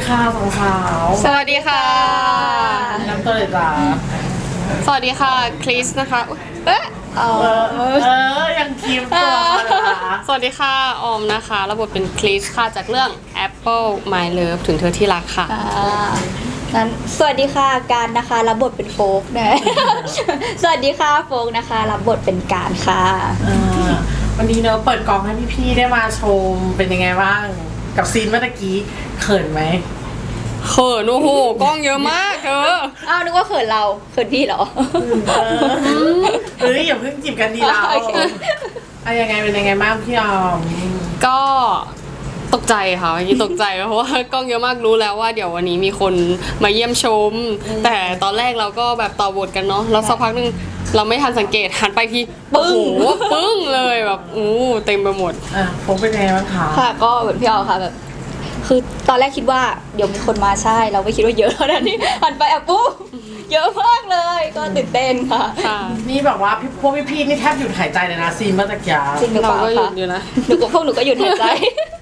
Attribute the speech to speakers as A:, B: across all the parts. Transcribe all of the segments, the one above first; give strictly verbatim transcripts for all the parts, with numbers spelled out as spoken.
A: ค่ะสองสาว
B: สวัสดีค่ะ
A: น้ำตัวเลยจ้า
B: สวัสดีค่ะคริสนะคะอุ๊ยเอ๊ะ
A: เออเออยังคีมตัวเลยนะ
B: สวัสดีค่ะออมนะคะรับบทเป็นคริสค่ะจากเรื่อง Apple My Love ถึงเธอที่รักค่ะ
C: อ่างั้นสวัสดีค่ะการนะคะรับบทเป็นโฟกนะ สวัสดีค่ะโฟกนะคะรับบทเป็นการค่ะ
A: อ่าวันนี้เนอะเปิดกองให้พี่ๆได้มาชมเป็นยังไงบ้างกับซีนเมื่อตะกี้เขินไหม
B: เขินโอ้โหกล้องเยอะมากเธอ
C: อ้าวนึกว่าเขินเราเขินพี่เหรอ
A: เออเอ้ยอย่าเพิ่งจีบกันดีเรา
C: โอเค
A: อะยังไงเป็นยังไงบ้างพี่ออม
B: ก็ตกใจค่ะเมื่อกี้ตกใจเพราะว่ากล้องเยอะมากรู้แล้วว่าเดี๋ยววันนี้มีคนมาเยี่ยมชม แต่ตอนแรกเราก็แบบต่อบทกันเนาะแล้วสักพักหนึงเราไม่ทันสังเกตหันไปทีโอ้โหปึ้งเลยแบบอู้เต็มไปหมด
A: อ่ะโฟกเป็นยังไงบ้างคะ
C: ค่ะก็เหมือนพี่ออค่ะแบบ คือตอนแรกคิดว่าเดี๋ยวมีคนมาใช่ เราไม่คิดว่าเยอะเท่านั้นนี่หันไปอ่ะปุ๊บเยอะมากเลยก็ตื่นเต้นค่ะ
B: ค่ะ
A: นี่แบบว่าพี่พวกพี่ๆนี่แทบหยุดหายใจเลยนะซีนเมื่อตะกี้
C: จริงหรือ
B: เรา
C: เปล่า
B: ก็หยุ
C: คะ
B: ดอยู่นะ
C: หนูกับพวกหนูก็หยุดหายใจ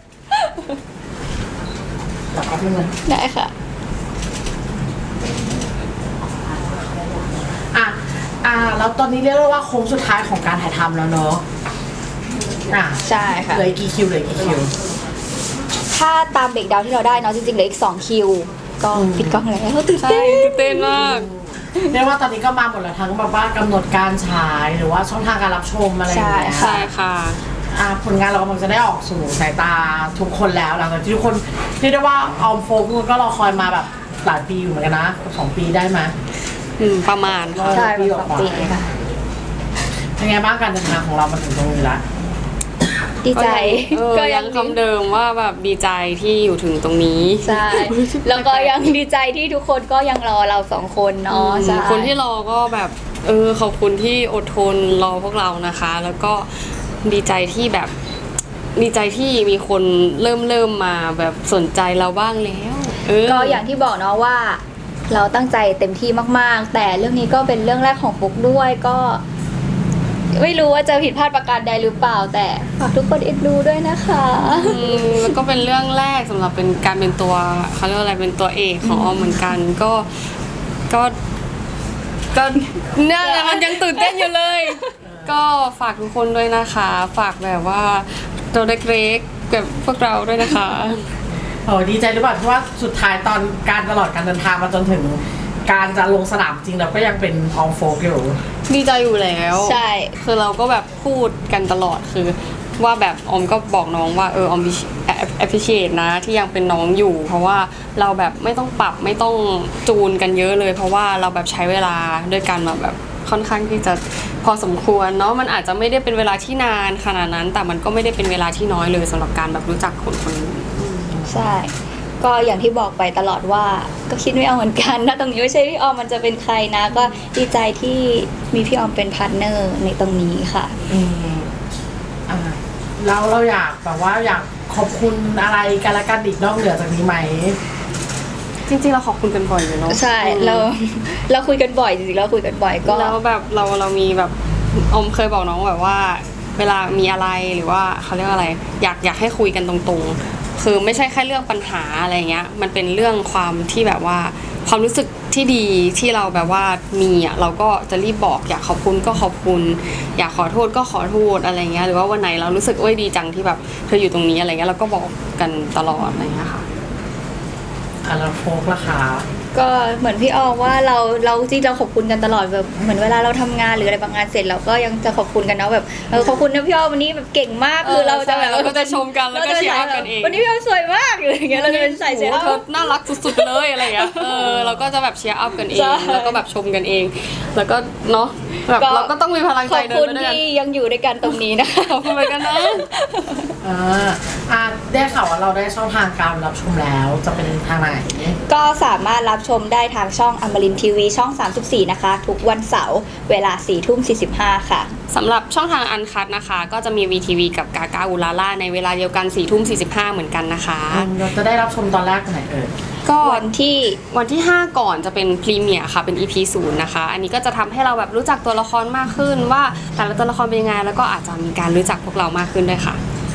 A: แบบเอาเป็นไง
C: ได้ค่ะ
A: อ่ะอ่ะแล้วตอนนี้เรียกได้ว่าโค้งสุดท้ายของการถ่ายทำแล้วเนอะอ่ะ
C: ใช่ค่ะ
A: เหลืออีกกี่คิวเหลืออีกกี่คิว
C: ถ้าตามเบรกดาวน์ที่เราได้เนาะจริงๆเหลืออีกสองคิว ก็ปิดกล้องแล้วตื่น
B: ใช่
C: เต้น
B: ตื่นเต้นมาก
A: เรียกว่าตอนนี้ก็มาหมดแล้วทั้งแบบว่ากำหนดการฉายหรือว่าช่องทางการรับชมอะไรอย่างเงี้ย
B: ใช่ค่ะ
A: อ่ะผลงานเรากำลังจะได้ออกสู่สายตาทุกคนแล้วหลังจากที่ทุกคนเรียกได้ว่าออมโฟกุก็รอคอยมาแบบหลายปีอยู่เหมือนกันนะสองปีได้ไหม
B: อืมประมาณค่ะ
C: ใช่เป็นสองปีค่ะ
A: เป็นไงบ้างการเดินทางของเรามาถึงตรงนี้ละ
C: ดีใจ
B: เออยังคำเดิมว่าแบบดีใจที่อยู่ถึงตรงนี้
C: ใช่ แล้วก็ยังดีใจที่ทุกคนก็ยังรอเราสองคนเนาะใช่
B: คนที่รอก็แบบเออขอบคุณที่อดทนรอพวกเรานะคะ แล้วก็ดีใจที่แบบดีใจที่มีคนเริ่มเริ่มมาแบบสนใจเราบ้างแล้วเออ
C: ก็อย่างที่บอกเนาะว่า เราตั้งใจเต็มที่มากๆ แต่เรื่องนี้ก็เป็นเรื่องแรกของฟุกด้วยก็ ไม่รู้ว่าจะผิดพลาดประการใดหรือเปล่า แต่ฝากทุกคนเอ็นดูด้วยนะคะ
B: อืมแล้วก็เป็นเรื่องแรกสำหรับเป็นการเป็นตัวเขาเรียกว่าอะไรเป็นตัวเอกของออมเหมือนกัน ก็ก็ก็เนี่ยมันยังตื่นเต้นอยู่เลย ก็ฝากทุกคนด้วยนะคะ ฝากแบบว่าตัวเล็กๆแบบพวกเราด้วยนะคะ
A: โอ้ดีใจหรือเปล่าที่ว่าสุดท้ายตอนการตลอดการเดินทางมาจนถึง การจะลงสนามจริงเราก็ยังเป็นออมโฟกอยู่
B: ดีใจอยู่แล้ว
C: ใช่
B: คือเราก็แบบพูดกันตลอดคือว่าแบบออมก็บอกน้องว่าเออออมแอปพลิเคชนะที่ยังเป็นน้องอยู่ เพราะว่าเราแบบไม่ต้องปรับไม่ต้องจูนกันเยอะเลย เพราะว่าเราแบบใช้เวลาด้วยกันมาแบบค่อนข้างที่จะพอสมควรเนาะมันอาจจะไม่ได้เป็นเวลาที่นานขนาดนั้น แต่มันก็ไม่ได้เป็นเวลาที่น้อยเลยสำหรับการแบบรู้จักคนคนนึง
C: ใช่ ก็อย่างที่บอกไปตลอดว่า ก็คิดไม่เอาเหมือนกันนะตรงนี้ไม่ใช่พี่ออมมันจะเป็นใครนะ ก็ดีใจที่มีพี่ออมเป็นพาร์ทเนอร์ในตรงนี้ค่ะ
A: อืมอ่าเราเราอยากแบบว่าอยากขอบคุณอะไรกันละกันอีกนอกเหนือจากนี้ไหม
B: จริงๆเราขอบคุณกันบ่อยอยู่เนาะ
C: ใช่เราเราคุยกันบ่อยจริงๆเราคุยกันบ่อยก็
B: แล้วแบบเราเรามีแบบอมเคยบอกน้องแบบว่า เวลามีอะไรหรือว่าเขาเรียกว่าอะไร อยากอยากให้คุยกันตรงๆ คือไม่ใช่แค่เรื่องปัญหาอะไรเงี้ยมันเป็นเรื่องความที่แบบว่าความรู้สึกที่ดีที่เราแบบว่ามีอ่ะเราก็จะรีบบอกอยากขอบคุณก็ขอบคุณ อยากขอโทษก็ขอโทษอะไรเงี้ยหรือว่าวันไหนเรารู้สึกโอ้ยดีจังที่แบบเธออยู่ตรงนี้อะไรเงี้ยเราก็บอกกันตลอดอะไรเงี้ยค่ะ
A: อ่ะแล้วโฟกล่ะคะ
C: ก็เหมือนพี่ออมว่าเราเราจริงเราขอบคุณกันตลอดแบบเหมือนเวลาเราทำงานหรืออะไรบางงานเสร็จเราก็ยังจะขอบคุณกันเนาะแบบเออขอบคุณนะพี่ออมวันนี้แบบเก่งมากคือเราจะแบบ
B: ใช่เราก็จะชมกันแล้วก็เชียร์อัพกันเอง
C: วันนี้พี่ออมสวยมากหรืออย่างเงี้ยเราจะเป็นใส่เสื้อ
B: โอ้โหเธอน่ารักสุดๆเลยอะไรเงี้ยเออเราก็จะแบบเชียร์อัพกันเอง
C: ใช่
B: แล้วก็แบบชมกันเอง แล้วก็เนาะแบบเราก็ต้องมีพลัง
C: ข
B: ใจ
C: อบ
B: เดิ
C: คุ
B: น
C: ณ
B: ไปด้วยกัน
C: ที่ยังอยู่ด้วยกันตรงนี้นะคะ
B: ขอบคุณเหมือนกันนะ
A: อ่าอ่ะได้ข่าวว่าเราได้ช่องทางการรับชมแล้วจะเป็นทางไหน
C: ก็สามารถรับชมได้ทางช่องอมรินทีวีช่องสามสิบสี่นะคะ ทุกวันเสาร์เวลาสี่ทุ่มสี่สิบห้าค่ะ
B: สำหรับช่องทางอันคัดนะคะ ก็จะมี วี ที วี กับกากาอูลาล่าในเวลาเดียวกันสี่ทุ่มสี่สิบห้าเหมือนกันนะคะ
A: อืมเราจะได้รับชมตอนแรกไหนเอ่ย
B: ก็
C: วันที่
B: วันที่ ห้า ก่อนจะเป็นพรีเมียร์ค่ะเป็น อี พี ศูนย์นะคะ อันนี้ก็จะทำให้เราแบบรู้จักตัวละครมากขึ้นว่าแต่ละตัวละครเป็นยังไงแล้วก็อาจจะมีการรู้จักพวกเรามากขึ้นด้วยค่ะ
A: อ่า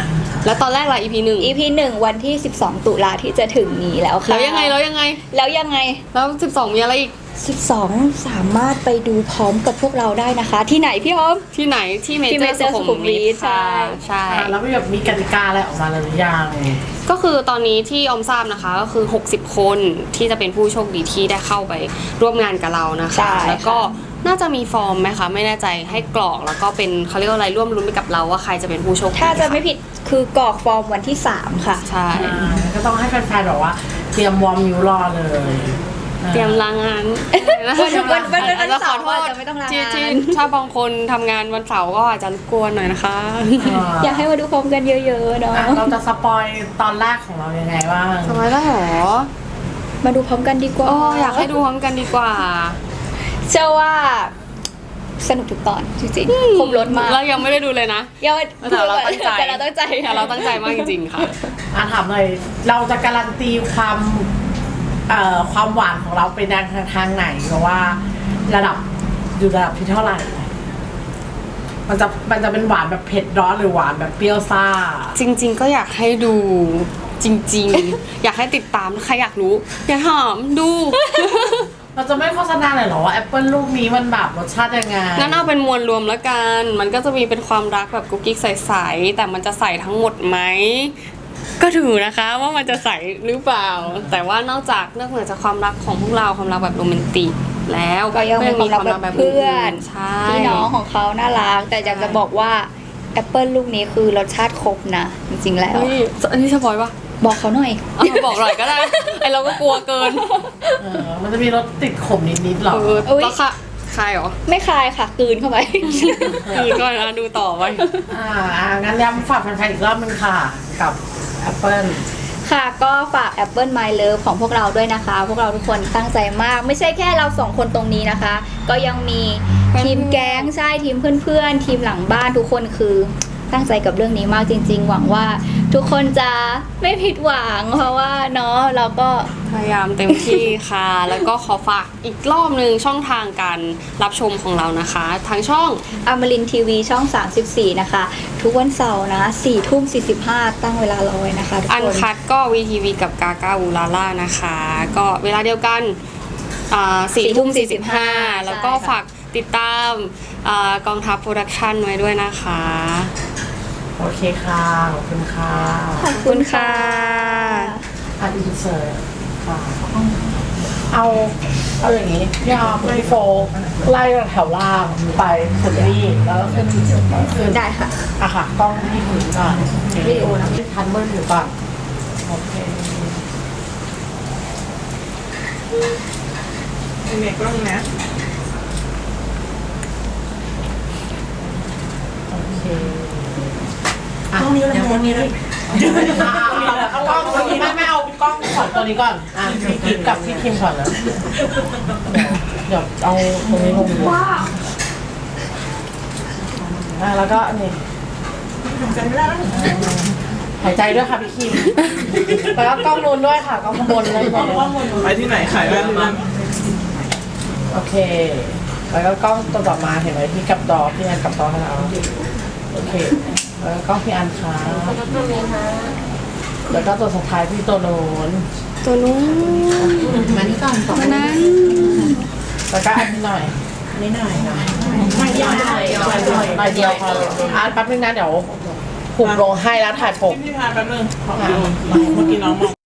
B: แล้วตอนแรกล่ะ อี พี หนึ่ง
C: อี พี หนึ่งวันที่สิบสองตุลาที่จะถึงนี้แล้วค่ะ
B: แล้วยังไงแล้วยังไง
C: แล้วยังไง
B: แล้วสิบสองมีอะไรอีก
C: สิบสองสามารถไปดูพร้อมกับพวกเราได้นะคะ ที่ไหนพี่อ้อม
B: ที่ไหนที่เม
C: ที่
B: เจอ
C: Major
B: ร์สุขุมวิท
C: สุขุมวิท
B: ค่ะ
C: ใช่
B: ใช่
A: อ่ะแล้วมีแบบมีกติกาอะไรออกมาแล้วหรือยัง
B: ก็คือตอนนี้ที่ออมทราบนะคะก็คือหกสิบคนที่จะเป็นผู้โชคดีที่ได้เข้าไปร่วมงานกับเรานะ
C: ใช่
B: คะ แล้วก็น่าจะมีฟอร์มไหมคะไม่แน่ใจให้กรอกแล้วก็เป็นเขาเรียกว่าอะไรร่วมรุ้นไปกับเราว่าใครจะเป็นผู้โชคดี
C: ถ้าจะไม่ผิดคือกรอกฟอร์มวันที่สามค่ะ
B: ใช่
A: อ่าก็ต้องให้แฟนๆบอกว่า เตรียมวอร์มนิ้วรอเลย
B: เตรียมลางานนะ
C: วันวันวันวัน
B: แล้วขอ
C: เสาร์
B: โทษ
C: อาจจะไม่ต้องลางาน
B: ที่ที่ถ้าบางคนทำงานวันเสาร์ก็อาจจะรบกวนหน่อยนะคะ
C: อยากให้มาดูพร้อมกันเยอะๆเนาะ
A: อ่ะเราจะสปอยตอนแรกของเรายังไงบ้าง
B: ทำไมได้หรอ
C: มาดูพร้อมกันดีกว่า
B: โอ้อยากให้ดูพร้อมกันดีกว่า
C: เชื่อว่าสนุกทุกตอนจริงๆครบรถมาก
B: เรายังไม่ได้ดูเลยนะ
C: ยัง
B: แต่เราตั้งใจ
C: แต่เราตั้งใจ
B: แต่เราตั้งใจมากจริงๆค่ะ
A: อ่ะถามเลยเราจะการันตีความเอ่อความหวานของเราเป็นทางทางไหนเพราะว่าระดับอยู่ระดับที่เท่าไหร่ มันจะมันจะเป็นหวานแบบเผ็ดร้อนหรือหวานแบบเปรี้ยวซ่า
B: จริง ๆ ก็อยากให้ดูจริง ๆ อยากให้ติดตามใครอยากรู้อย่าถามดู
A: เราจะไม่โฆษณาเลยเหรอว่าแอปเปิลลูกนี้มันแบบรสชาติยังไง
B: งั้นเอาเป็นมวลรวมแล้วกัน มันก็จะมีเป็นความรักแบบกุ๊กกิ๊กใสๆแต่มันจะใส่ทั้งหมดไหมก็ถือนะคะว่ามันจะใส่หรือเปล่า แต่ว่านอกจากนอกเหนือจากความรักของพวกเราความรักแบบโรแมนติกแล้ว
C: ก็ยังมีความรักแบบเพื่อน
B: ใช่
C: พี่น้องของเขาน่ารัก แต่อยากจะบอกว่าแอปเปิลลูกนี้คือรสชาติครบนะ จริงๆแล้ว
B: เฮ้ยอันนี้สปอยปะ
C: บอกเขาหน่อย
B: เอาบอกหน่อยก็ได้ ไอเราก็กลัวเกิน
A: เออมันจะมีรสติดขมนิดๆหรอ
B: เออ
C: อุ๊ย
B: แล้วค่ะใครเหรอ
C: ไม่คายค่ะกลืนเข้าไป
B: คือก่อนนะดูต่อไป
A: อ่าอ่างั้นย้ำฝากแฟนๆอีกรอบนึงค่ะ กับแอปเปิล
C: ค่ะก็ฝาก Apple My Love ของพวกเราด้วยนะคะ พวกเราทุกคนตั้งใจมาก ไม่ใช่แค่เราสองคนตรงนี้นะคะ ก็ยังมีทีมแก๊งใช่ทีมเพื่อนๆ ทีมหลังบ้านทุกคนคือตั้งใจกับเรื่องนี้มากจริง ๆ หวังว่าทุกคนจะไม่ผิดหวัง เพราะว่าเนาะเราก็
B: พยายามเต็มที่ค่ะ แล้วก็ขอฝากอีกรอบหนึ่งช่องทางการรับชมของเรานะคะทางช่อง
C: อมรินทีวีช่องสามสิบสี่นะคะ ทุกวันเสาร์นะสี่ทุ่มสี่สิบห้าตั้งเวลารอไว้นะคะทุก
B: อัน
C: คน
B: คัดก็วีทีวีกับกากาอูลาล่านะคะ ก็เวลาเดียวกันสี่ทุ่มสี่สิบห้าแล้วก็ฝากติดตามอ่ากองทัพโปรดักชันไว้ด้วยนะคะ
A: โอเคค่ะ ขอบคุณค่ะ
C: ขอบคุณค่ะ
A: อ่ะอินเสิร์ตค่ะ เอาเอาอย่างนี้พี่อาร์มพี่โฟกไล่แถวล่างไปสุดนี่แล้วก็ขึ้นขึ้น
C: ได้ค่ะ
A: อะค่ะกล้องที่ถึงก่อนวิดีโอนะที่ทันเบิร์อยู่ก่อนโอเค
D: ยังไงก็ต้องนะ
A: โอเคอ่ะกล้องนี้เลยกล้องนี้เลยเอากล้องตัวนี้ไม่ไม่เอากล้องขอตัวนี้ก่อนอ่ะพี่กิ๊กกับพี่คิมก่อนนะเดี๋ยวเอาตรงนี้ลงว้าวอ่ะแล้วก็อันนี้
D: ทำกันไม่ได้แล้ว
A: หายใจด้วยค่ะพี่คิมแล้วก็กล้องนู้นด้วยค่ะกล้องข้างบนเลย
D: ไปที่ไหนขายแว่นบ้าง
A: โอเค แล้วก็กล้องตัวต่อมาเห็นไหมพี่กับดอพี่อันกับดอให้เราโอเค แล้วก็กล้องพี่อันค่ะแล้วก็ตัวสุดท้ายพี่ตัวโน้น
B: ตัวนู้น
A: มานี่ก่อนต่อ
B: ตัวนั้น
A: แล้วก็อันนี้หน่อย
D: นิดหน่อยนะ
A: ไม่หน่อยหน่อยหน่อยเดียวพออ่ะแป๊บนึงนะเดี๋ยวผูกลงให้แล้วถ่ายปก
D: พี่พาแป๊บนึงขอดูเมื่อกี้น้องมอง